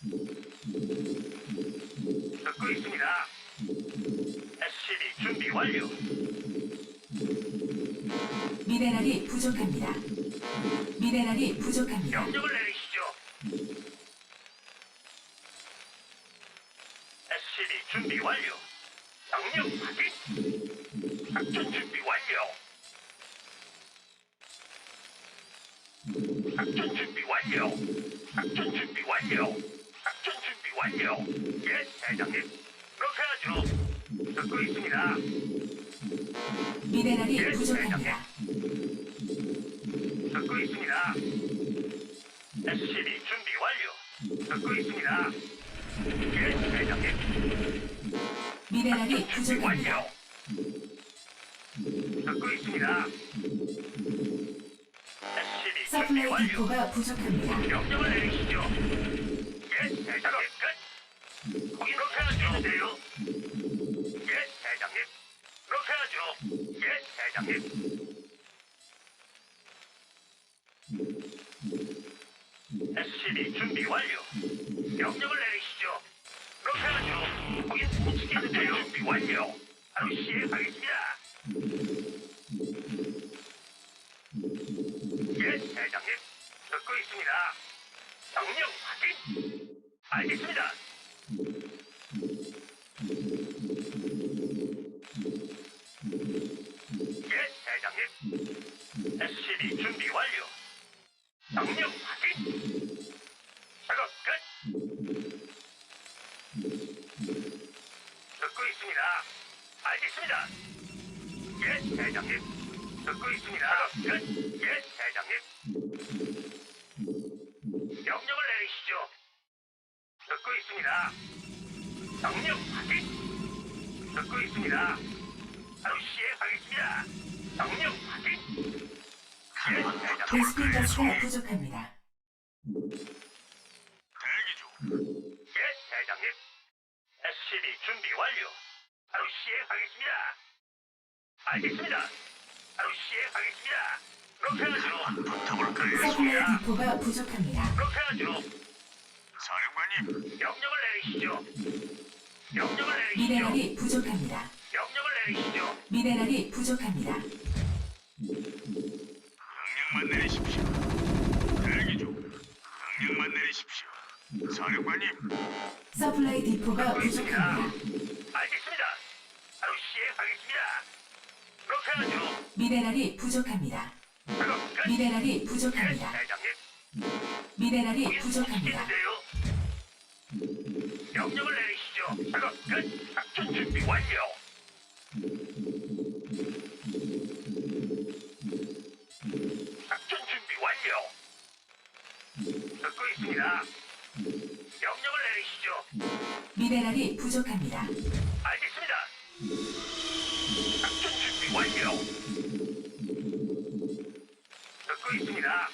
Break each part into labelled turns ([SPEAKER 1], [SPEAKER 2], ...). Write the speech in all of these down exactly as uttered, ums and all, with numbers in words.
[SPEAKER 1] 듣고 있습니다. 에스씨비 준비 완료.
[SPEAKER 2] 미네랄이 부족합니다. 미네랄이 부족합니다.
[SPEAKER 1] 명령을 내리시죠. 에스씨비 준비 완료. 명령 확인. 작전 준비 완료. 작전 준비 완료. 작전 준비 완료. 작전 준비 완료. 예, 대장님. 그렇게 하죠. 듣고 있습니다.
[SPEAKER 2] 미네랄이
[SPEAKER 1] 예,
[SPEAKER 2] 부족합니다.
[SPEAKER 1] 듣고 있습니다. 에스씨비 준비 완료. 듣고 있습니다. 예, 대장님.
[SPEAKER 2] 미네랄이
[SPEAKER 1] 준비
[SPEAKER 2] 부족합니다.
[SPEAKER 1] 완료. 듣고 있습니다. 에스씨비 준비
[SPEAKER 2] 서플라이
[SPEAKER 1] 완료.
[SPEAKER 2] 디포가 부족합니다.
[SPEAKER 1] 명령을 내리시죠. 예, 대장님. 끝. 거기 그렇게 하죠. 예, 대장님. 그렇게 하죠. 예, 대장님. 에스씨비 준비 완료. 명령을 내리시죠. 그렇게 하죠. 거긴 못 지키는데요. 준비 완료. 바로 시행하겠습니다. 예, 대장님. 듣고 있습니다. 명령 확인. 알겠습니다. 예, 대장님. 에스씨비 준비 완료. 명령 확인. 작업 끝. 듣고 있습니다. 알겠습니다. 예, 대장님. 듣고 있습니다. 작업 끝. 예, 대장님. 명령을 내리시죠. 듣고 있습니다. 명령 확인. 듣고 있습니다. 바로 시행하겠습니다. 명령 확인. 예, 대장님.
[SPEAKER 2] 베스핀 가스가 부족합니다.
[SPEAKER 1] 대기 중. 예, 대장님. 에스씨비 준비 완료. 바로 시행하겠습니다. 알겠습니다. 바로 시행하겠습니다. 그렇게 하죠. 붙어볼까요?
[SPEAKER 2] 서플라이 디포가 부족합니다.
[SPEAKER 1] 그렇게 하죠. 사령관님, 명령을 내리시죠. 명령을 내리시죠.
[SPEAKER 2] 미네랄이 부족합니다.
[SPEAKER 1] 명령을 내리시죠.
[SPEAKER 2] 미네랄이 부족합니다.
[SPEAKER 1] 명령만 내리십시오. 대기 중. 명령만 내리십시오. 사령관님.
[SPEAKER 2] 서플라이 디포가
[SPEAKER 1] 듣고 있습니다.
[SPEAKER 2] 부족합니다.
[SPEAKER 1] 알겠습니다. 바로 시행하겠습니다. 그렇게 하죠.
[SPEAKER 2] 미네랄이 부족합니다.
[SPEAKER 1] 작업 끝.
[SPEAKER 2] 미네랄이
[SPEAKER 1] 예,
[SPEAKER 2] 부족합니다.
[SPEAKER 1] 대장님.
[SPEAKER 2] 미네랄이
[SPEAKER 1] 거긴
[SPEAKER 2] 부족합니다.
[SPEAKER 1] 시키는데요. 명령을 내리시죠. 작업 끝. 작전 준비 완료. 작전 준비 완료. 듣고 있습니다. 명령을 내리시죠.
[SPEAKER 2] 미네랄이 부족합니다.
[SPEAKER 1] 알겠습니다. 작전 준비 완료. 듣고 있습니다.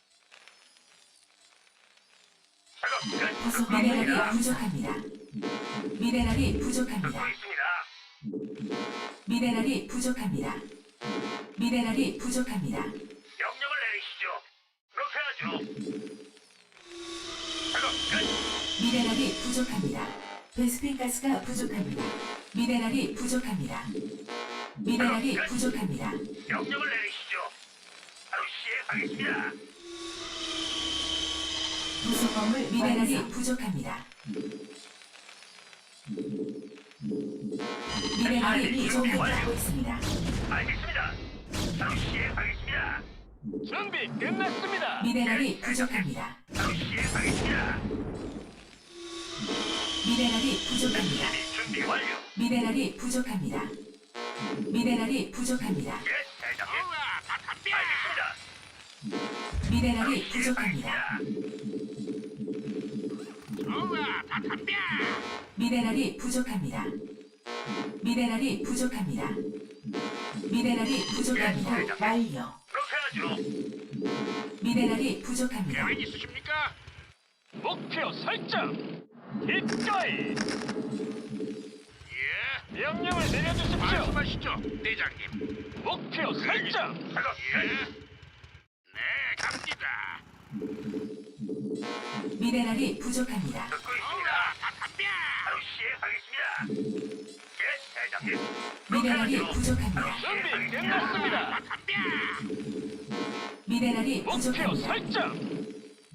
[SPEAKER 1] 작업 끝.
[SPEAKER 2] 부속
[SPEAKER 1] 듣고
[SPEAKER 2] 미네랄이
[SPEAKER 1] 있습니다.
[SPEAKER 2] 부족합니다. 미네랄이
[SPEAKER 1] 듣고
[SPEAKER 2] 부족합니다.
[SPEAKER 1] 있습니다.
[SPEAKER 2] 미네랄이 부족합니다. 미네랄이 부족합니다.
[SPEAKER 1] 명령을 내리시죠. 그렇게 하죠. 작업 끝.
[SPEAKER 2] 미네랄이 부족합니다. 베스핀 가스가 부족합니다. 미네랄이 부족합니다. 미네랄이 부족합니다.
[SPEAKER 1] 명령을 내리시죠. 바로 시행하겠습니다.
[SPEAKER 2] 부속 건물 미네랄이 부족합니다. 미네랄이 부족하고 있습니다.
[SPEAKER 1] 알겠습니다. 바로 시행하겠습니다.
[SPEAKER 3] 준비 끝났습니다.
[SPEAKER 2] 미네랄이 부족합니다.
[SPEAKER 1] 바로 시행하겠습니다.
[SPEAKER 2] 미네랄이 부족합니다.
[SPEAKER 1] 준비 준비 완료.
[SPEAKER 2] 미네랄이 부족합니다. 미네랄이 부족합니다.
[SPEAKER 1] 예, 대장님. 알겠습니다.
[SPEAKER 2] 미네랄이 부족합니다.
[SPEAKER 1] 좋아, 다 덤벼.
[SPEAKER 2] 미네랄이 부족합니다. 미네랄이 부족합니다. 미네랄이 부족합니다. 완료.
[SPEAKER 1] 그렇게 하죠.
[SPEAKER 2] 미네랄이 부족합니다.
[SPEAKER 1] 계획 있으십니까?
[SPEAKER 3] 목표 설정. 기꺼이
[SPEAKER 1] 예.
[SPEAKER 3] 명령을 내려주십시오.
[SPEAKER 1] 말씀하시죠, 대장님.
[SPEAKER 3] 목표 설정.
[SPEAKER 1] 작업 예. 네, 갑니다.
[SPEAKER 2] 미네랄이 부족합니다.
[SPEAKER 1] 듣고 있습니다. 바로 시행하겠습니다. 예, 대장님.
[SPEAKER 2] 미네랄이
[SPEAKER 1] 그렇게 하죠.
[SPEAKER 2] 부족합니다.
[SPEAKER 3] 준비 끝났습니다.
[SPEAKER 2] 미네랄이
[SPEAKER 3] 목표
[SPEAKER 2] 부족합니다.
[SPEAKER 3] 설정.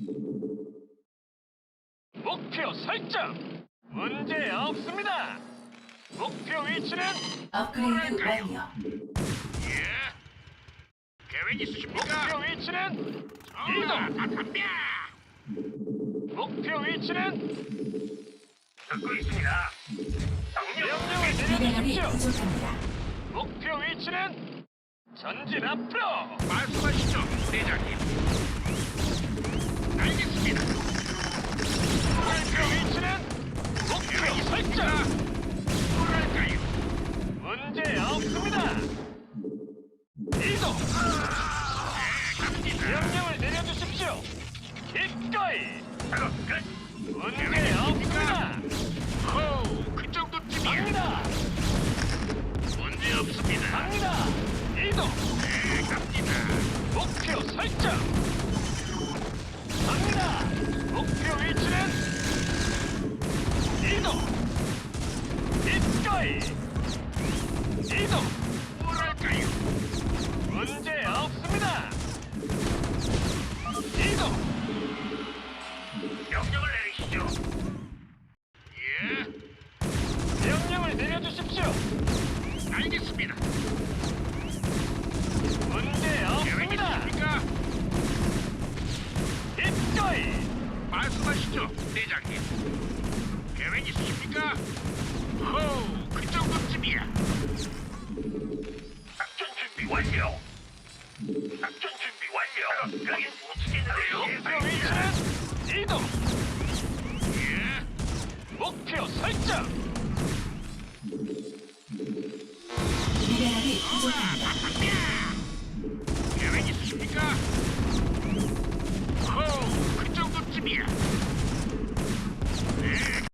[SPEAKER 3] 목표 설정. 문제 없습니다. 목표 위치는
[SPEAKER 2] 업그레이드 완료.
[SPEAKER 1] 예. 계획 있으십니까?
[SPEAKER 3] 목표 위치는 이동. 목표 위치는
[SPEAKER 1] 듣고 있습니다. 명령
[SPEAKER 3] 명령을
[SPEAKER 2] 미네랄이
[SPEAKER 3] 내려주십시오.
[SPEAKER 2] 부족합니다.
[SPEAKER 3] 목표 위치는 전진 앞으로.
[SPEAKER 1] 말씀하시죠, 대장님. 알겠습니다.
[SPEAKER 3] 목표 위치는 목표 설정.
[SPEAKER 1] 뭐랄까요?
[SPEAKER 3] 문제 없습니다. 이동. 명령을 내려주십시오. 기꺼이.
[SPEAKER 1] 작업 끝.
[SPEAKER 3] 문제 없습니다.
[SPEAKER 1] 호, 그 정도쯤이야.
[SPEAKER 3] 갑니다.
[SPEAKER 1] 문제 없습니다.
[SPEAKER 3] 갑니다. 이동.
[SPEAKER 1] 네, 갑니다.
[SPEAKER 3] 목표 설정. 갑니다. 목표 위치는 이동. 기꺼이. 이동.
[SPEAKER 1] 뭐랄까요?
[SPEAKER 3] 문제 없습니다. 이동.
[SPEAKER 1] 명령을 내리시죠. 예,
[SPEAKER 3] 명령을 내려주십시오.
[SPEAKER 1] 알겠습니다.
[SPEAKER 3] 문제
[SPEAKER 1] 계획
[SPEAKER 3] 없습니다.
[SPEAKER 1] 있으십니까?
[SPEAKER 3] 기꺼이.
[SPEAKER 1] 말씀하시죠, 대장님. 계획 있으십니까? 호, 그 정도쯤이야. 작전 준비 완료. 작전 준비 완료. 여기 못 치겠는데요.
[SPEAKER 3] 목표 위치는 이동.
[SPEAKER 1] 예,
[SPEAKER 3] 목표 설정.
[SPEAKER 2] 미네랄이 부족합니다.